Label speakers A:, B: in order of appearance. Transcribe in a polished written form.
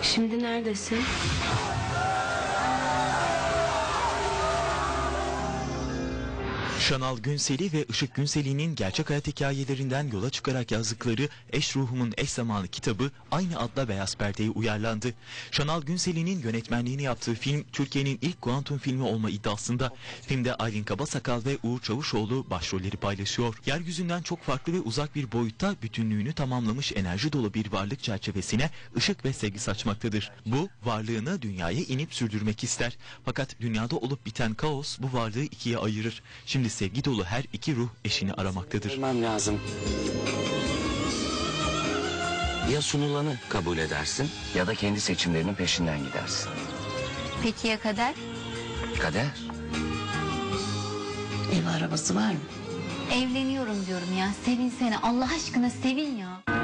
A: Şimdi neredesin?
B: Şanal Günseli ve Işık Günseli'nin gerçek hayat hikayelerinden yola çıkarak yazdıkları Eş Ruhumun Eş Zamanı kitabı aynı adla beyaz perdeye uyarlandı. Şanal Günseli'nin yönetmenliğini yaptığı film Türkiye'nin ilk kuantum filmi olma iddiasında. Filmde Aylin Kabasakal ve Uğur Çavuşoğlu başrolleri paylaşıyor. Yeryüzünden çok farklı ve uzak bir boyutta bütünlüğünü tamamlamış enerji dolu bir varlık çerçevesine ışık ve sevgi saçmaktadır. Bu varlığını dünyaya inip sürdürmek ister. Fakat dünyada olup biten kaos bu varlığı ikiye ayırır. Şimdi sevgi dolu her iki ruh eşini aramaktadır.
C: Görmem lazım. Ya sunulanı kabul edersin ya da kendi seçimlerinin peşinden gidersin.
D: Peki ya kader?
C: Kader.
E: Ev arabası var mı?
D: Evleniyorum diyorum ya. Sevin seni. Allah aşkına sevin ya.